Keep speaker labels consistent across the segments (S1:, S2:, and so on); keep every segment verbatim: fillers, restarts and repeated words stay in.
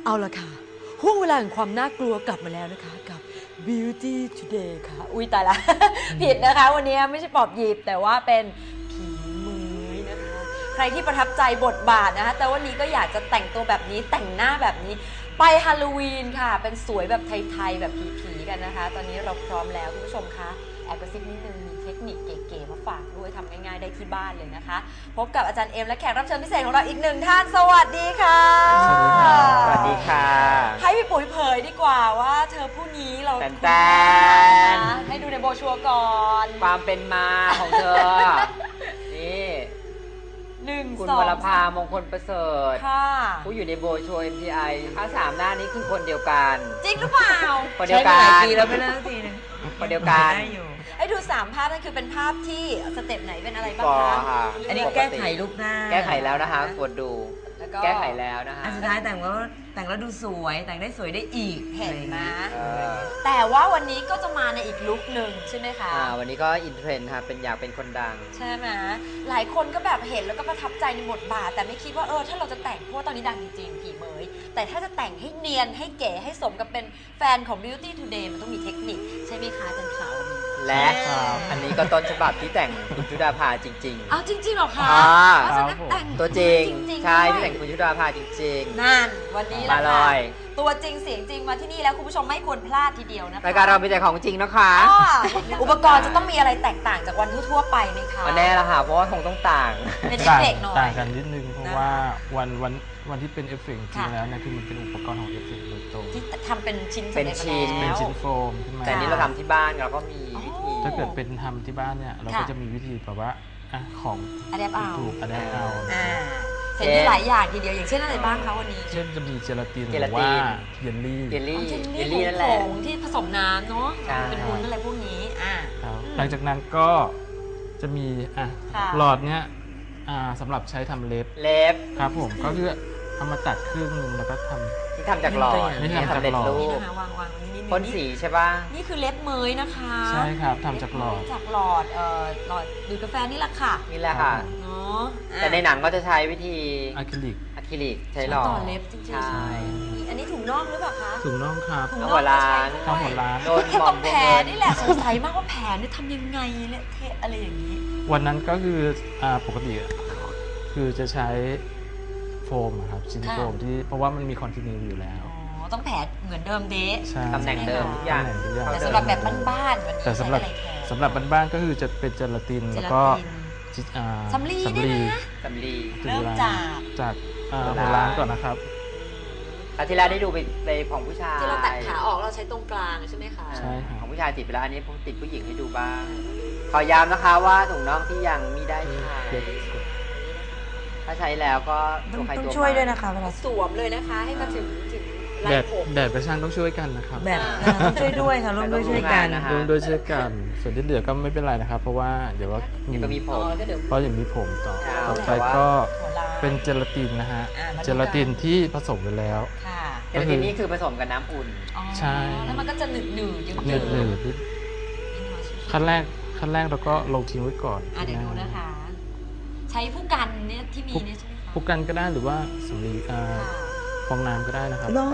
S1: เอาละค่ะห่วงเวลาแห่งความน่ากลัวกลับมาแล้วนะคะกับ Beauty Today ค่ะอุ้ยตายละ ผิดนะคะวันนี้ไม่ใช่ปอบหยิบแต่ว่าเป็นผีเมยนะคะใครที่ประทับใจบทบาทนะคะแต่วันนี้ก็อยากจะแต่งตัวแบบนี้แต่งหน้าแบบนี้ไปฮาโลวีนค่ะเป็นสวยแบบไทยๆแบบผีๆกันนะคะตอนนี้เราพร้อมแล้วคุณผู้ชมคะแอบกระซิบนิดนึงมีเทคนิคเก๋ๆมาฝากด้วยทำง่ายๆได้ที่บ้านเลยนะคะพบกับอาจารย์เอ็มและแขกรับเชิญพิเศษของเราอีกหนึ่งท่านสวัสดีค่ะ
S2: สวัสดีค่ะสวัสดีค่ะ
S1: ให้พี่ปุ๋ยเผยดีกว่าว่าเธอผู้นี้เรา
S2: แตน
S1: แตนให้ดูในโบชัวก่อน
S2: ความเป็นมาของเธอ นี่
S1: หนึ่ง
S2: คุณ
S1: สอง
S2: วรภามงคลประเสริฐ
S1: ค่ะ
S2: ผู้อยู่ในโบโชว์ เอ็ม ที ไอ ถ้าสามหน้านี้คือคนเดียวกัน
S1: จริงหรือเปล่า
S2: คนเดียวกัน
S3: ใช้มาหลายปีแล้วไม่เลิกทีนึง
S2: คนเดียวกัน
S3: ได้อยู่
S1: ให้ดูสามภาพนั่นคือเป็นภาพที่สเต็ปไหนเป็นอะไรบ้าง
S2: ก็
S1: คะ
S2: ค่ะ
S3: อันนี้แก้ไขรูปหน้า
S2: แก้ไขแล้วนะคะกดดู
S1: แล้วก็
S2: แก้ไขแล้วนะคะ
S3: อันสุดท้ายแต่งแล้วแต่งแล้วดูสวยแต่งได้สวยได้อีก
S1: เห็นไหม
S2: เออ
S1: แต่ว่าวันนี้ก็จะมาในอีกลุคหนึ่งใช่ไหมคะ
S2: อ่าวันนี้ก็อินเทรนด์ค่ะเป็นอยากเป็นคนดัง
S1: ใช่ไหมหลายคนก็แบบเห็นแล้วก็ประทับใจในบทบาท แต่ไม่คิดว่าเออถ้าเราจะแต่งเพราะว่าตอนนี้ดังจริงๆผีเมยแต่ถ้าจะแต่งให้เนียนให้เก๋ให้สมกับเป็นแฟนของ Beauty Today มันต้องมีเทคนิคใช่ไหมคะอาจารย์ขาว
S2: และอันนี้ก็ต้นฉบับที่แต่งคุณชุดาภาจริง
S1: เอาจริงๆหรอคะ
S2: อ่า
S1: เอาสนักแต่ง
S2: ๆ ตัวจริง
S1: จริงๆ
S2: ใช่
S1: ด้วย
S2: ที่แต่งคุณชุดาภาจริง
S1: นั่นวันนี้แหละ
S2: มาเล
S1: ค่ะ
S2: ย
S1: ตัวจริงเสียงจริงมาที่นี่แล้วคุณผู้ชมไม่ควรพลาดทีเดียวนะคะ
S2: รายการเรามีแต่ของจริงนะคะ
S1: อ้ออุปกรณ์จะต้องมีอะไรแตกต่างจากวันทั่วๆไปไหมคะ
S2: อันแน่ละค่ะเพราะว่าคงต้องต่าง
S1: เป็นเอฟ
S4: ต่าง
S1: เฟกต์หน่อย
S4: ต่างกันนิดนึงเพราะ
S1: นะคะ
S4: ว่าวันวันวันที่เป็นเอฟเฟกต์จริง
S1: ค่ะ
S4: แล้วเนี่ยคือมันเป็นอุปกรณ์ของเอฟเฟกต์โดยตรง
S1: ที่ทำเป็นชิ้น
S2: เป็น
S1: สำร็จ
S2: ชิ้น
S1: มา
S4: เป็น
S1: แล้ว
S4: ชิ้นโฟมขึ้นมา
S2: แต่อันนี้เราทำที่บ้านเราก็มีวิธี
S4: ถ้าเกิดเป็นทำที่บ้านเนี่ยเราก็
S1: ค่ะ
S4: จะมีวิธีแบบว่าอ่ะของ
S1: อะแดปเอา
S4: ถูกอะแดปเอา
S1: อ่าเห็นมีหลายอย่างทีเดียวอย่างเช่นอะไรบ้างคะวันนี้
S4: เช่นจะมีเจลาตินห
S2: เจ
S4: รื
S2: ลา
S4: อ
S2: ติ
S4: ว่าน เยลลี่
S2: เยลลี่
S1: อ๋อ
S2: เย
S1: เย
S2: ล
S1: ล
S2: ลี่
S1: ลี่
S2: นั่น
S1: ผ
S2: แหละ
S1: งที่ผสมน้ำเนาะ
S2: ใช่
S1: เป็นวุ้นอะไรพวกนี้อ่า
S4: ครับ
S1: อืม
S4: หลังจากนั้นก็จะมีอ่ะ
S1: ค่ะ
S4: หลอดเนี้ยอ่าสำหรับใช้ทำเล็บ
S2: เล็บ
S4: ครับผมก็คือเอามาตัดครึ่งหนึงแล้วก็ทำ
S2: ที่ทำจากหลอด
S4: นี่ทำจาก
S2: สำเร็จ
S4: หลอด
S2: รู
S1: นี่
S2: ป
S1: นะคะวางวางๆนี่นี่
S2: พ่นสีใช่ป่ะ
S1: นี่คือเล็บเมยนะคะ
S4: ใช่ครับทำจากหลอด
S1: เบเมยจากหลอดเอ่อหลอดดูดกาแฟนี่แหละค่ะ
S2: นี่แหละค่ะ
S1: เนาะอ่ะ
S2: แต่ในหนังก็จะใช้วิธี
S4: อะคริลิก
S2: อะคริลิกใช้หลอด
S1: ต่อเล็บจริงๆ
S2: ใช่
S1: นี่อันนี้ถุงน่องหรือเปล่าคะ
S4: ถุงน่องครับ
S1: ถุง
S2: ทั้ง
S1: น่
S2: หั
S1: อง
S2: วร้าน
S1: ก็ใช้ด้วย
S4: ทั้งหัวร้าน
S2: โดน
S1: แค่
S2: ม
S1: ต
S2: อ
S1: รง ง
S2: พว
S1: แผ
S2: ก
S1: ล
S2: เงิน
S1: นี่แหละสงสัยมากว่าแผลเนี่ยทำยังไงเนี่ยเทะอะไรอย่างนี้
S4: วันนั้นก็คืออ่าปกติอะคือจะใช้โฟมอะครับชิ้น
S1: ค่ะ
S4: โฟมที่เพราะว่ามันมีคอนติเนียอยู่แล้ว
S1: อ๋อต้องแผลเหมือนเดิมเดะ
S4: ใช่
S2: ตำแหน่งเดิมทุกอย่าง
S4: ตำแหน่งทุกอย่าง
S1: แต่สำหรับแบบบ้านๆวันนี้
S4: แต่
S1: ใช้
S4: สำหรับ
S1: อะไรแทน
S4: สำหรับบ้านๆก็คือจะเป็นเจลาติน
S1: เจ
S4: แล้ว
S1: ลา
S4: ก็
S1: ติน
S4: จิอ่า
S1: สำลีเนี่ยนะ
S2: สำลี
S4: ถึง
S1: เริ่ม
S4: วล
S1: จาก
S4: จากอ่า
S2: หั
S4: หั
S2: ว
S4: ว
S2: ร้าน
S4: ร้านก่อนนะครับ
S2: อาทิตย์แล้วได้ดูไปไปของผู้ชาย
S1: ที่เราตัดขาออกเราใช้ตรงกลางใช่ไหมคะ
S4: ใช่ครับ
S2: ของผู้ชายติดไปแล้วอันนี้ผมติดผู้หญิงให้ดูบ้าง ขอย้ำนะคะว่าถุงน่องที่ยังไม่ได้ใช้ถ้าใช้แล้วก็
S3: ต้อ
S2: ตัว
S3: ง
S2: ใคร
S3: ต้อง
S2: ตัว
S3: ช่วย
S2: มัน
S3: ด้วยนะคะเวลา
S1: สวมเลยนะคะ ให้มาถึงถึงไหล่
S4: แดด
S1: ผม
S4: แดดกระช่างต้องช่วยกันนะครับ
S3: แบบเออต้องช่วยด้วยค่ะร่วมด้วยช่วยกัน
S4: รวมด้วยช่วยกันส่วนที่เหลือก็ไม่เป็นไรนะครับ เพราะว่าเดี๋ยวว่ามี
S2: เดี๋ยวก็มีผ
S1: อ๋อ
S2: ม
S1: แล้วก็เดี๋ยว
S4: เพราะอย่างมีผมต่อ
S2: ใช่
S4: ต่อไป
S2: แต่ว่า
S4: ก็
S1: หัวล้าน
S4: เป็นเจลาตินนะฮะ
S1: อ่ามาดูกัน
S4: เจลาตินที่ผสมไปแล้ว
S1: ค่ะ
S2: เจลาตินนี่คือผสมกับน้ำอุ่น
S1: อ๋อ
S4: ใช่
S1: แล้วมันก็จะหนืดหนืดๆเยิ้ม
S4: หนืดหนืดนิดขั้นแรกขั้นแรกเราก็ลงทิ้งไว้ก่อน
S1: อ่ะเดี๋ยวดูนะคะ ใช้ผู้กันเนี่ยที่มีเนี่ยใช่ไหมคะ
S4: พวกกันก็ได้หรือว่าสำลีอ่า
S1: ค่ะ
S4: ฟองน้ำก็ได้นะครับ
S3: ร้อน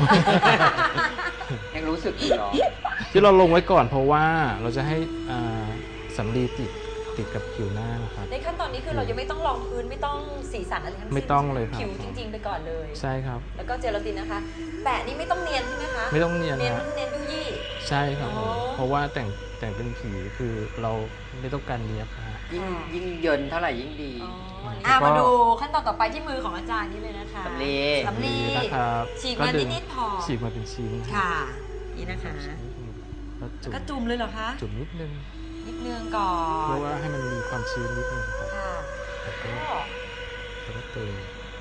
S2: ยังรู้สึกอยู่เหรอ
S4: ที่เราลงไว้ก่อนเพราะว่าเราจะให้อ่าสำลีติดติดกับผิวหน้านะครับ
S1: ในขั้นตอนนี้คือเรายังไม่ต้องรองพื้นไม่ต้องสีสันอะไรทั้งสิ้น
S4: ไม่ต้องเลยครับ
S1: ผิวจริงๆไปก่อนเลย
S4: ใช่ครับ
S1: แล้วก็เจลาตินนะคะ แปะนี่ไม่ต้องเนียนใช่ไหมคะ
S4: ไม่ต้องเนียน
S1: เนียน
S4: นะ
S1: เนียนยุยี่
S4: ใช่ครับผม
S1: อ๋อ
S4: เพราะว่าแต่งแต่งเป็นผีคือเราไม่ต้องการเนียบนะฮะ
S2: ยิ่งยิ่งเยินเท่าไหร่ยิ่งดี
S1: อ๋อ
S4: แล้ว
S1: อ่ะ
S4: ก็
S1: มาดูขั้นตอนต่อไปที่มือของอาจารย์นี่เลยนะคะ
S2: สำลี
S1: สำลี
S4: นะครับ
S1: ฉีก
S4: ก็
S1: มา
S4: ดึง
S1: นิดๆพอ
S4: ฉีกมาเป็นชิ้น
S1: ค่ะ นี่นะคะ
S4: แล้วจุ่ม
S1: ก็จุ่มเลยเหรอคะ
S4: จุ่มนิดนึง
S1: นิดนึงก่อ
S4: เพ
S1: น
S4: ราะว่าให้มันมีความชื้นนิดนึงครับ
S1: ค่ะ
S4: แล้วก็
S1: ก็
S4: แล้วก็เติม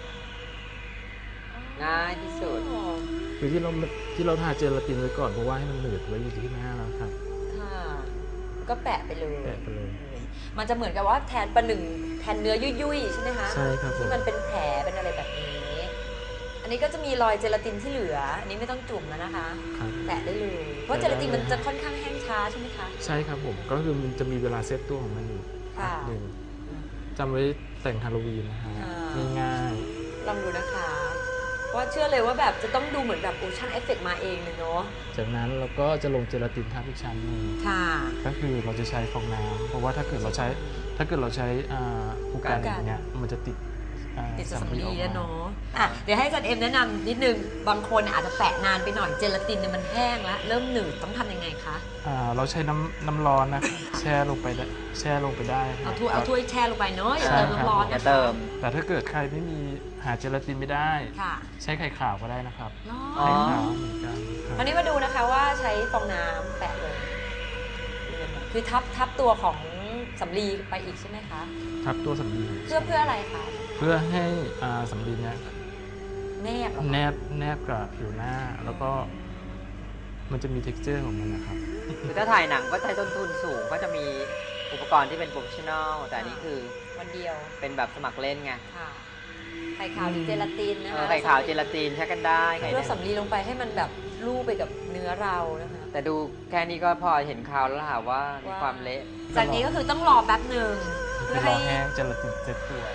S2: ง่ายที่สุด
S4: คือที่เราที่เราทาเจลาตินไว้ก่อนเพราะว่าให้มันหนืดไว้อยู่ที่หน้าแล้วครับ
S1: ค่ะก็แปะไปเลย
S4: แปะไปเลย
S1: มันจะเหมือนกับว่าแทนประหนึ่งแทนเนื้อยุ่ยๆใช่ไหมคะ
S4: ใช่ครับผม
S1: ที่มันเป็นแผลเป็นอะไรแบบนี้ อันนี้ก็จะมีรอยเจลาตินที่เหลือ อันนี้ไม่ต้องจุ่มแล้วนะคะ
S4: ครับ
S1: แปะได้เลย เพราะเจลาตินมันจะค่อนข้างแห้งช้าใช่ไหมคะ
S4: ใช่ครับผมก็คือมันจะมีเวลาเซตตัวของมันอยู่
S1: ค่ะ
S4: หนึ่งจำไว้แต่งฮาโลวีนนะฮะ
S1: อ่า
S4: ง่าย
S1: ลองดูนะคะเพราะว่าเชื่อเลยว่าแบบจะต้องดูเหมือนแบบโอชั่นเอฟเฟกต์มาเองเลยเนาะ
S4: จากนั้นเราก็จะลงเจลาตินทับอีกชั้นหนึ่ง
S1: ค่ะ
S4: ก็คือเราจะใช้ฟองน้ำเพราะว่าถ้าเกิดเราใช้ถ้าเกิดเราใช้อ่าผู้กันอย่างเงี้ยมันจะติดอ่า
S1: ติดสำ
S4: อ
S1: ลี
S4: อก
S1: แล้ว
S4: มา
S1: เนาะอ่ะเดี๋ยวให้อาจารย์เอ็มแนะนำนิดนึงบางคนเนี่ยอาจจะแปะนานไปหน่อยเจลาตินเนี่ยมันแห้งแล้วเริ่มหนืดต้องทำยังไงคะ
S4: อ่าเราใช้น้ำน้ำร้อนนะแช่ลงไปได้แช่ลงไปได้ค
S1: เอา
S4: รับ
S1: ถ้วยเอาถ้วยแช่ลงไปเนาะอย่า
S4: ใช่
S1: เติม
S4: ครับ
S1: น้ำร้อน
S2: อย่า
S1: นะคะ
S2: เติม
S4: แต่ถ้าเกิดใครไม่มีหาเจลาตินไม่ได้
S1: ค่ะ
S4: ใช้ไข่ขาวก็ได้นะครับ
S1: เนาะ
S2: อ๋อ
S4: ไข่ขาวเหมือนกันค
S1: ค
S4: รั
S1: ราว
S4: บ
S1: นี้มาดูนะคะว่าใช้ฟองน้ำแปะลงคือทับทับตัวของสำลีไปอีกใช่ไหมคะ
S4: ทับตัวสำลี
S1: เพื่อเพื่ออะไรคะ
S4: เพื่อให้อ่าสำลีเนี้ย
S1: แนบเหรอ
S4: แน
S1: คะ
S4: บแนบกับผิวหน้า แล้วก็มันจะมี เท็กซ์เจอร์ ของมันนะครับ
S2: คือถ้าถ่ายหนังก็ใช้ต้นทุนสูงก็จะมีอุปกรณ์ที่เป็นโปรเฟชชั่นอลแต่อันนี้คือ
S1: วันเดียว
S2: เป็นแบบสมัครเล่นไง
S1: ค่ะไข่ขาวหรือเจลาตินนะ
S2: เอ
S1: คะ
S2: อไข่ขาวเจลาตินใช้กันได้ไข่
S1: เพื่อ
S2: เนี่ย
S1: สำลีลงไปให้มันแบบลูบไปกับเนื้อเรานะคะ
S2: แต่ดูแค่นี้ก็พอเห็นข่าวแล้วค่ะว่ามี
S1: ว่า
S2: ความเละ
S1: จากนี้ก็คือต้องรอแป๊บหนึ่งเพื่อ
S4: ร
S1: ให้
S4: อแห้งเจลาตินเซ็ตตัว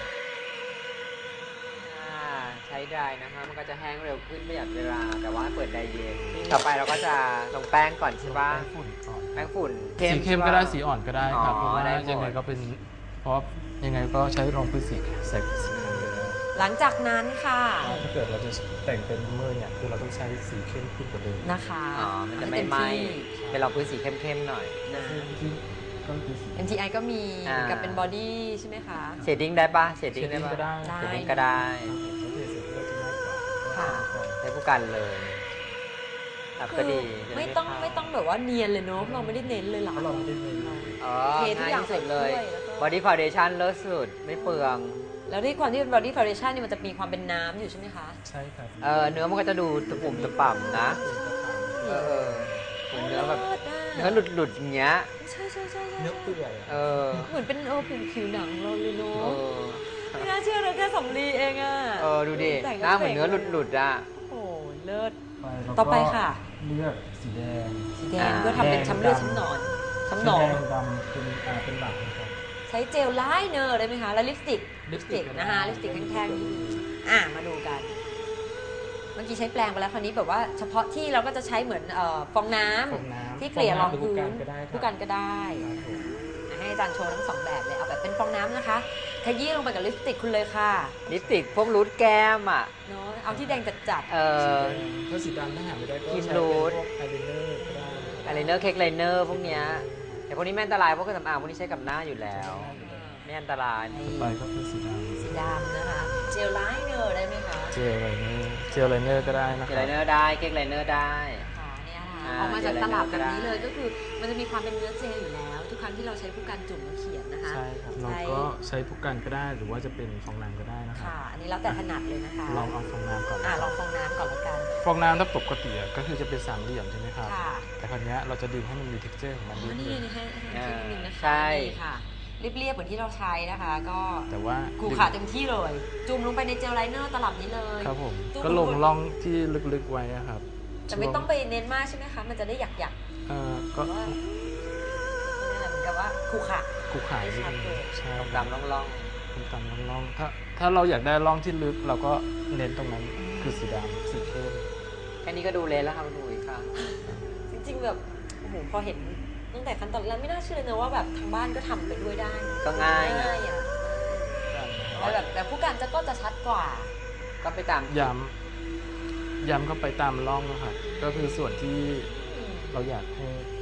S2: อ่าใช้ได้นะคะมันก็จะแห้งเร็วขึ้นประหยัดเวลา แต่ว่าเปิดไดเย็นต่อไปเราก็จะลงแป้งก่อนใช่ปะ
S4: แป้งฝุ่นก่อน
S2: แป้งฝุ่น
S4: สีเข้มก็ได้สีอ่อนก็ได้ครับ
S2: อ๋อ
S4: เพราะว่า
S2: ได้หมด
S4: ยังไงก็เป็นเพราะยังไงก็ใช้รองพื้นสีใส่สีขาวอยู่แล้ว
S1: หลังจากนั้นค่ะ
S4: ถ้าเกิดเราจะแต่งเป็นเมอร์เนี่ยคือเราต้องใช้สีเข้มขึ้นกว่าเดิม
S1: นะคะ
S2: อ๋อมันจะ
S1: ให้
S2: ไม่
S1: เต็
S2: ไหม้
S1: ที่
S2: เป็นเราพื้นสีเข้มๆหน่อย
S1: นะ
S4: ที่ก็คือสี
S1: เอ็ม ที ไอ ก็มี
S2: อ่ากั
S1: กับเป็นบอดี้ใช่ไหมคะ
S2: เชดดิ้งได้ปะเชด
S4: เช
S2: ดิ้ง
S4: ด
S2: ได้
S4: ดิ้ง
S2: ปะ
S4: ก็ได้
S1: ได้
S2: เชดดิ้งก็ได้
S4: ครับผมแล้วเทเสร็จก็จะง่ายกว่า
S1: ค่ะ
S2: ใช้ผู้กันเลยครับก็ดีจะ
S1: ไม่
S2: ด้
S1: ต้อง
S2: เข้า
S1: ไม่ต้องแบบว่าเนียนเลยเนาะเราไม่ได้เน้นเลยหรอ
S4: เพราะเราไม่ได้เน้น
S2: อ๋อ
S1: เททุกอย่าง
S2: ง่ที่สุดเลย
S1: ใส่ถ้วยแล้วก็
S2: บอดี้ฟาวเดชั่นเลิศสุดไม่เปลือง
S1: แล้วด้วยความที่เป็น body foundation เนี่ยมันจะมีความเป็นน้ำอยู่ใช่ไหมคะ
S4: ใช่ครับ
S2: เออเนื้อมันก็จะดูตะปุ่มตะป่ำนะ เออเออเหมือนเนื้อแบบ
S1: โลิศะ
S2: เนื้อหลุดหลุดๆอย่างเงี้ย
S1: ใช่ใช่ใช่ใช่
S4: เนื้อเปื่อยอะ
S2: เออ
S1: เหมือนเป็นเออผิวผิวหนังเราเลยเนา
S2: เอะ อ
S1: ไม่น่าเชื่อเลยแค่สำลีเองอะ
S2: เออดูดิ
S1: แต่ง
S2: หน้าเหมือนเนื้อหลุดหลุดๆอ่ะ
S1: โอ้โหเลิศ
S4: ไปแล้วก็
S1: ต่อไปค่ะ
S4: เลือกสีแดง
S1: สีแดง
S2: อ่า
S1: เพื่อทำเป็นช้ำเลือดช้ำหนอนช้ำหนอง
S4: สีแดงดำเป็นอ่าเป็นหลักนะครับ
S1: ใช้เจลไลเนอร์ได้ไหมคะ แล้วลิปสติก
S4: ลิปสติก
S1: นะคะ ลิปสติกแท่งๆที่มีอ่ะมาดูกัน เมื่อกี้ใช้แปรงไปแล้วคราวนี้แบบว่าเฉพาะที่เราก็จะใช้เหมือนเอ่อฟองน้ำ
S4: ฟองน้ำ
S1: ที่เกลี่ยรอง
S4: ฟน้ำห
S1: พื้
S4: ผู้
S1: น
S4: กันก็ได้ครับ
S1: ผู้กันก็ได้
S4: ครับผม
S1: อ่ะให้อาจารย์โชว์ทั้งสองแบบเลยเอาแบบเป็นฟองน้ำนะคะขยี้ลงไปกับลิปสติกคุณเลยค่ะ
S2: ลิปสติกพวกรูทแก้มอ่ะ
S1: เนาะเอาที่แดงจัด
S2: เออ
S4: ถ้าสีดำถ้าหาไม่ได้ก็
S2: ครีม
S4: ใช้
S2: รู
S4: เป็น
S2: ท
S4: พวกอายไลเนอร์ก็ได้
S2: อายไลเนอร์เค้กไลเนอร์พวกเนี้ยแต่พวกนี้ไม่อันตรายเพราะเครื่องสำอางพวกนี้ใช้กับหน้าอยู่แล้ว ไม่อันตราย
S1: ๆ
S4: ต่อไปก็เป็นสีด
S1: สีดำนะคะ เจลไลเนอร์ได้ไหมคะ
S4: ำเจลไลเนอร์เจลไลเนอร์ก็ได้นะค
S2: เค้ก
S4: รั
S2: ไล
S4: บ
S2: เนอร์ได้เค้กไลเนอร์ได้
S1: ค่ะเนี่ยค่ะ
S2: อ่า
S1: ออกมาจากตลับแบบนี้
S2: เจลไลเนอร์ก็ได้
S1: เลยก็คือมันจะมีความเป็นเนื้อเจลอยู่แล้ว ทุกครั้งที่เราใช้ผู้กันจุ่มแล้วเขียนนะคะ
S4: ใช่ครับ
S1: ใช่
S4: เราก็ใช้ผู้กันก็ได้หรือว่าจะเป็นฟองน้ำก็ได้นะครับ
S1: ค่ะ อันนี้แล้วแต่ถนัดเลยนะคะ
S4: ลองเอาฟองน้ำก่อน
S1: อ่ะลองฟองน้ำก่อนละกัน
S4: ฟองน้ำถ้าปกติอะก็คือจะเป็นสามเหลี่ยมใช่ไหมครับ
S1: ค่ะ
S4: แต่คราวเนี้ยเราจะดึงให้มันมี เท็กซ์เจอร์ ของมัน
S1: อ๋
S4: นิ
S1: อ
S4: ด
S1: นี่
S4: นึง
S1: นี่ให้ให้
S2: อ่า
S1: ให้นิดนึงนะคะ
S2: ใช่
S1: นี่ค่ะเรียบๆเหมือนที่เราใช้นะคะ ก็
S4: แต่ว่า
S1: ขูขาเต็มที่เลย จุ่มลงไปในเจลไลเนอร์ตลับนี้เลย
S4: ครับผม
S1: จุ่ม
S4: ก็ลงร่องที่ลึกๆไว้อะครับ
S1: แต่ไม่ต้องไปเน้นมากใช่ไหมคะ มันจะได้หยักหยัก
S4: เอ่อ
S1: ๆ
S4: ก็
S1: ว่านี่แหละเหมือนกับว่าขูขา
S4: คูขายนิดนึง
S1: ไม่ชัดเลย
S4: ใช่
S2: ดำๆล่อง
S4: เป็นตามร่องๆถ้าถ้าเราอยากได้ร่องที่ลึกเราก็เน้นตรงนั้นคือสีดำสีเข้ม
S2: ๆแค่นี้ก็ดูเละแล้วค่ะคุณอุ๋ยค่ะ
S1: จริงๆแบบโอ้โหพอเห็นตั้งแต่ขั้นตอนแรกไม่น่าเชื่อเลยนะว่าแบบทางบ้านก็ทำไปด้วยได้
S2: ก็ง่าย
S1: ง่ายอ่ะแต่แบบแต่ผู้การจะก็จะชัดกว่า
S2: ก็ไปตาม
S4: ย้ำย้ำเข้าไปตามร่องนะครับก็คือส่วนที่เราอยากให้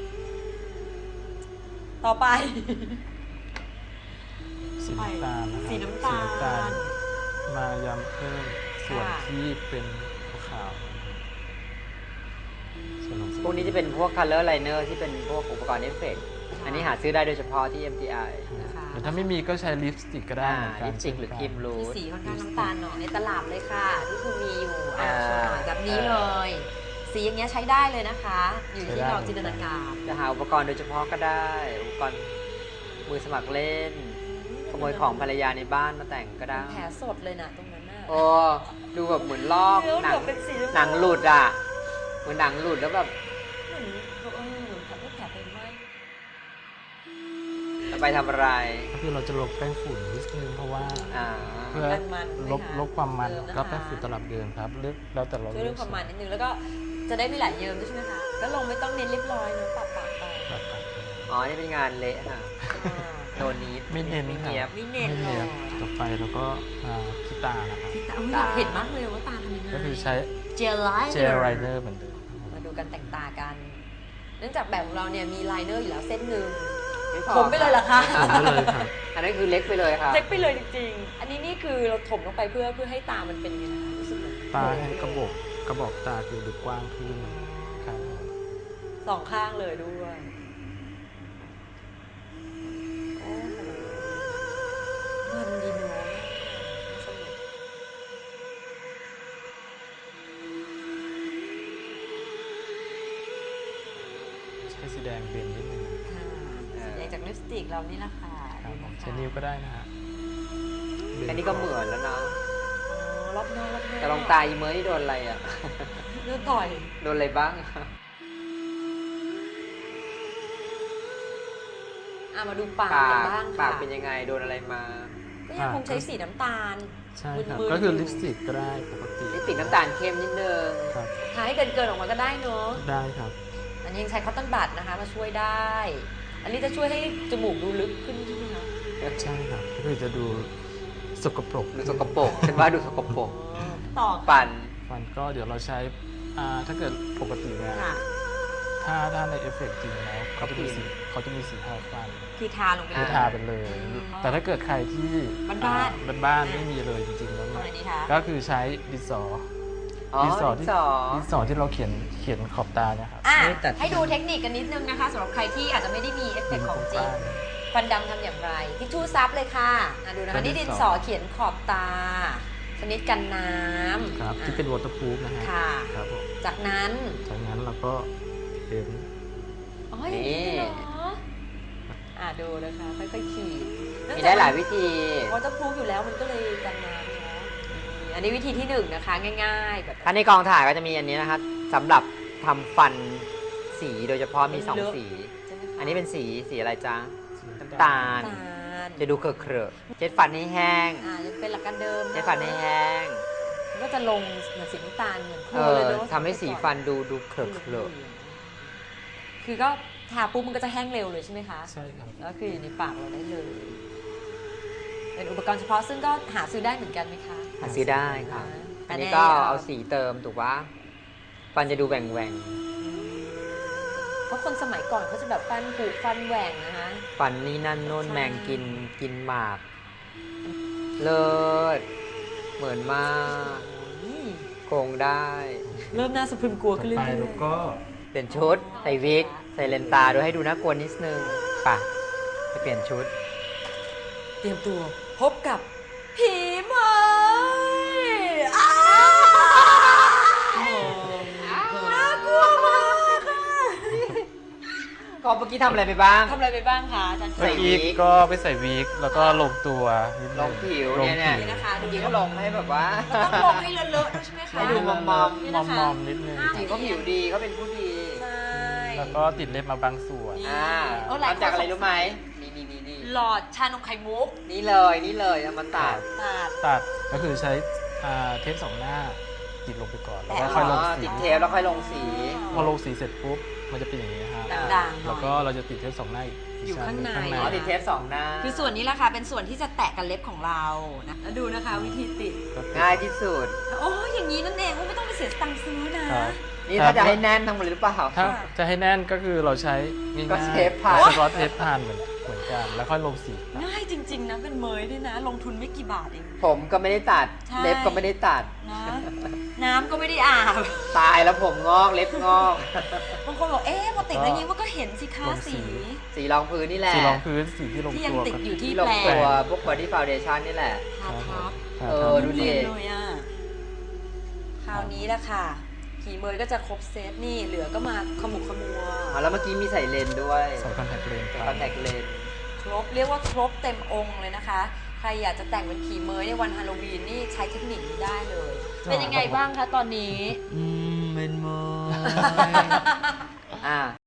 S1: ต่อไป
S4: สีน้ำตาลนะครับ
S1: สีน้ำตาล
S4: สีน้ำตาลมาย้ำเพิ่มส่วน
S1: ค่ะ
S4: ที่เป็นขาวๆส่วนของสี
S2: พวกนี้จะเป็นพวก color liner ที่เป็นพวกอุปกรณ์เอฟเฟกต์อันนี้หาซื้อได้โดยเฉพาะที่ เอ็ม ที ไอ
S1: นะคะ
S4: แต่ถ้าไม่มีก็ใช้ลิปสติกก็ได้
S2: อ่า
S4: เหมือนกัน
S2: ลิปสติกหรือครีมรู
S1: ที่
S2: ท
S1: สีค่อนข้างน้ำตาลหน่อยในตลับเลยค่ะที่คุณมีอยู่อ่า
S2: อ่า
S1: โชว์หน่อยแบบนี้เลย สีอย่างเงี้ยใช้ได้เลยนะคะ อยู่ที่เราจินตนาการ
S2: จะหาอุปกรณ์โดยเฉพาะก็ได้ อุปกรณ์มือสมัครเล่น ขโมยของภรรยาในบ้านมาแต่งก็ได้
S1: แผลสดเลยนะตรงนั้นน่ะ
S2: โอ้ดูแบบเหมือนลอก
S1: เนื้อ
S2: หนัง
S1: แบบเป็นสี
S2: หนังหลุดอ่ะ เหมือนหนังหลุดแล้วแบบ
S1: เหมือนเออเหมือนแผลแผลเป็นไหม
S2: ตไปทำอะไร
S4: ก็คือเราจะลบแป้งฝุ่นนิดนึงเพราะว่า
S2: อ่า
S4: เพื่อ
S1: มันๆใช่ไหม
S4: ลบ
S1: คะ
S4: ลบความมัน
S1: เติมนะคะ
S4: ก็แป้งฝุ่นตลับเดิมครับเลือกแล้วแต่เรา
S1: ช่วยเรื่องความมันนิดนึงแล้วก็จะได้ไม่ไหลเยิ้มด้วยใช่ไหมคะก็ลงไม่ต้องเน้นเรียบร้อยเนอะปะปะไป
S4: แบบแบบ
S2: อ๋อ นี่เป็นงานเละค่ะ
S1: อ่า
S2: โนนี้
S4: ไม่เน้น
S2: ไม่
S4: ครั
S2: เนียบ
S4: บ
S1: ไม่เน้น
S4: ไม่
S1: หร
S4: เนี
S1: อย
S4: บต่อไปแล้วก็อ่าที่ตานะครับ
S1: ที่ตาอุ๊ยอยากเห็นมากเลยว่าตาทำยังไง
S4: ก็คือใช้
S1: เจลไลเน
S4: เจ
S1: อ
S4: ล
S1: ร์
S4: ไรเนอร์เหมือนเดิม
S1: มาดูกันแต่งตากัน เนื่องจากแบบของเราเนี่ยมีไลเนอร์อยู่แล้วเส้นหนึ่ง
S2: ไม่พอ
S1: ผมไปเลยเหรอคะ
S4: ผมไปเลยครับ
S2: อันนั้นคือเล็กไปเลยค่ะ
S1: เล็กไปเลยจริงๆ อันนี้นี่คือเราถมลงไปเพื่อเพื่อให้ตามันเป็นยังไงนะคะรู้สึกเหมือน
S4: ตาให้กระบอกกระบอกตาคือดูกว้างขึ้นครับ
S1: สองข้างเลยด้วยโอ้โหมันดีเนาะสนุก
S4: ใช้สีแดงเบนนิดนึง
S1: ค่ะสีแดงจากลิปสติกเรานี่แหละค่ะ
S4: ครับ
S1: ดู
S4: ผม
S1: นะคะ
S4: ใช้นิ้วก็ได้นะฮะเบ
S2: แค่นี้ก็เหมือนแล้วนะ
S1: อ๋อรอบนอกรอบนอก
S2: แต่ลองตาอีเมอร์นี่โดนอะไรอ่ะ
S1: เลือดต่อย
S2: โดนอะไรบ้าง
S1: อ่ะมาดูปาก
S2: ปา
S1: กัน
S2: ก
S1: บ้าง
S2: ปา
S1: ค่ะ
S2: กเป็นยังไง โดนอะไรมา
S1: ก็ยังคงใช้สีน้ำตาล
S4: ใช่ครับ
S1: มึนๆ
S4: ก็คือ
S1: อยู่
S4: ลิปสติกก็ได้ปกติ
S2: ลิปสติกน้ำตาลเข้มนิดนึง
S4: ครับ
S1: ทาให้เกินเกินๆออกมาก็ได้เนอะ
S4: ได้ครับ
S1: อันนี้ยังใช้คอตตอนบัดนะคะมาช่วยได้ อันนี้จะช่วยให้จมูกดูลึกขึ้นใช่ไหมคะ
S4: ใช่ครับก็คือจะดูสกปรก
S2: ดูสกปรกฉันว่าดูสกปรก
S1: ต่อ
S2: ปั่น
S4: ฟันก็เดี๋ยวเราใช้อ่าถ้าเกิดปกติเนี่ย
S1: ค่ะ
S4: ถ้าถ้าในเอฟเฟกต์จริงแล้วเขาจะมีสีเขาจะมีสีทาฟัน
S1: คือทาลงไป
S4: คือ
S1: เลย
S4: ทาไปเลย
S1: อืม
S4: แต่ถ้าเกิดใครที่
S1: บ้านๆ
S4: อ่บ้านๆไม่มีเลยจริงๆแล้ว
S1: ทำ
S4: เนี่
S1: อะไร
S4: ย
S1: ดีคะ
S4: ก็คือใช้ดินสอ
S2: อ๋อ
S4: ดินสอ
S2: ดิ
S4: ที่
S2: นสอ
S4: ดินสอที่เราเขียนเขียนขอบตาเนี่ยครับ
S1: อ่ะ
S2: ไม่ตัด
S1: ให้ดูเทคนิคกันนิดนึงนะคะสำหรับใครที่อาจจะไม่ได้มีเอฟเฟกต์ของจริงควันดำทำอย่างไรทิชชู่ซับเลยค่ะอ่ะดูนะคะนี่ดินสอเขียนขอบตา ชนิดกันน้ำ
S4: ครับที่เป็นวอเตอร์พูฟนะฮะ
S1: ค่ะ
S4: ครับผม
S1: จากนั้น
S4: จากนั้นเราก็เขียน
S1: อ๋ออย่างนี้เหรออ่ะดูนะคะค่อยๆขีด
S2: มีได้หลายวิธี
S1: วอเตอร์พรูฟอยู่แล้วมันก็เลยกันน้ำเนาะอันนี้วิธีที่หนึ่งนะคะง่ายๆแบบ
S2: ถ้าในกองถ่ายก็จะมีอันนี้นะคะสำหรับทำฟันสีโดยเฉพาะมีสองสี
S1: ใช่ไหมคะ
S2: อันนี้เป็นสีสีอะไรจ๊ะ
S4: สี
S2: น้ำตาล
S1: น้ำตาล
S2: จะดูเคอะเคอะๆเช็ดฟันให้แห้ง
S1: อ่ายังเป็นหลักการเดิมะ
S2: เช็ดฟันให้แห้ง
S1: มันก็จะลงเหมือนสีน้ำตาลเหมือนโค
S2: เอ
S1: ลเลย
S2: อ
S1: เนาะ
S2: ทำให้สีฟันดูดูเคอะเคอะ
S1: คือก็ทาปุ๊บมันก็จะแห้งเร็วเลยใช่ไหมคะ
S4: ใช่ครับ
S1: แล้วคืออยู่ในปากเราได้เลย เป็นอุปกรณ์เฉพาะซึ่งก็หาซื้อได้เหมือนกันไหมคะ
S2: หาซื้อได้ค่ะ
S1: อ่า
S2: อันนี้ก็เอาสีเติมถูกปะฟันจะดูแหว่งแหว่ง
S1: เพราะคนสมัยก่อนเขาจะแบบฟันผุฟันแหว่งนะคะ
S2: ๆฟันนี่นั่นโน่น
S1: ใช่
S2: แมงกินกินหมาก เลิศเหมือนมาก
S1: อืม
S2: โกงได้
S1: เริ่มน่าสะพรึงกลัว
S4: ต่อ
S1: ขึ้นเรื่
S4: ไป
S1: อย
S4: เราก็
S2: เปลี่ยนชุด ใส่วิก ใส่เลนส์ตาด้วยให้ดูน่ากลัวนิดนึงป่ะไปเปลี่ยนชุด
S1: ๆเตรียมตัวพบกับผีเมยอ้าวน่ากลัวมากค่ะ
S2: ก็เมื่อกี้ทำอะไรไปบ้าง
S1: ทำอะไรไปบ้างคะอาจารย์
S2: ใส่
S4: เมื่อ
S2: วิ
S4: กี้
S2: ก
S4: ก็ไปใส่วิกแล้วก็ลงตัวนิดนึ
S2: ลงผิว
S4: ล
S2: เนี่ย
S4: ง
S2: เนี่ย
S4: ผิว
S1: นะคะ
S2: จริงๆก็ลงให้แบบว่า
S1: ต้องลงให้เลอะๆด้วยใช่ไหมคะ
S2: ให้ดูมอม
S4: มอม
S1: นี่
S4: มอ
S1: นะ
S4: ม
S1: คะ
S4: มอมนิดนึง
S1: อ่า
S2: จริงๆก็ผิวดีเขาเป็นผู้ดี
S1: ใช่
S4: แล้วก็ติดเล็บมาบางส่วน
S2: อ่า
S1: เออหลายคน
S2: ทำจากอะไร
S1: สงสัย
S2: รู้ไหมนี่นี่นี่นี่
S1: หลอดชานมไข่มุก
S2: นี่เลยนี่เลยเอามาตัด
S1: ตัด
S4: ตัดก็คือใช้อ่าเทปสองหน้าติดลงไปก่อนแล้วก็
S1: แปะ
S4: ค่อยลง
S2: อ๋อ
S4: สี
S2: ติดเทปแล้วค่อยลงสี
S4: พอลงสีเสร็จปุ๊บมันจะเป็นอย่างนี้ครับ
S1: ด่างๆหน่
S4: แล้ว
S1: อย
S4: ก็เราจะติดเทปสองหน้าอีก
S1: อยู่ข้างใน
S4: ชั้ห
S2: อ๋อติดเทปสองหน้า
S1: คือส่วนนี้แหละค่ะเป็นส่วนที่จะแตะกับเล็บของเรานะแล้วดูนะคะวิธีติด
S4: ก็ติด
S2: ง่ายที่สุด
S1: โอ้ยอย่างนี้นั่นเองไม่ต้องไปเสียสตังค์ซื้อนะ
S4: ครับ
S2: นี่ถ้าจะให้แน่นทั้งหมดเลยหรือเปล่า
S4: ถ้าจะให้แน่นก็คือเราใช้ง่ายๆ
S2: ก็เทปพัน
S4: สกอตเทปพันเหมือนเหมือนกันแล้วค่อยลงสี
S1: ง่ายจริง ๆ นะเป็นเมยด้วยนะ ลงทุนไม่กี่บาทเอง
S2: ผมก็ไม่ได้ตัด
S1: ใช่
S2: เล็บก็ไม่ได้ตัด
S1: นะน้ำก็ไม่ได้อาบ
S2: ตายแล้วผมงอกเล็บงอก
S1: บางคนบอกเอ๊ะพอติดแล้วยิงมันก็เห็นสิคะสี
S2: สีรองพื้นนี่แหละ
S4: สีรองพื้นสีที่ลง
S1: ที่ยัง
S4: ตัว
S1: ติด
S4: กัน
S1: อยู่ที่
S2: ที่ลง
S1: แปล
S2: ตัว
S1: ง
S2: พวก body foundation นี่แหละ
S1: ทาทับ
S4: ครับ
S2: เออ ดูดิ
S1: เนียนเลยอ่ะคราวนี้แหละค่ะผีเมยก็จะครบเซตนี่เหลือก็มาขมุกขมัว
S2: อ๋อแล้วเมื่อกี้มีใส่เลนส์ด้วย
S4: ใส่คอนแทคเลนส์
S2: ใส่
S4: ไป
S2: คอนแทคเลนส์
S1: ครบเรียกว่าครบเต็มองค์เลยนะคะ ใครอยากจะแต่งเป็นผีเมยในวันฮาโลวีนนี่ใช้เทคนิคนี้ได้เลย เป็นยังไงบ้างคะตอนนี้
S2: อืมเป็นโมอ่า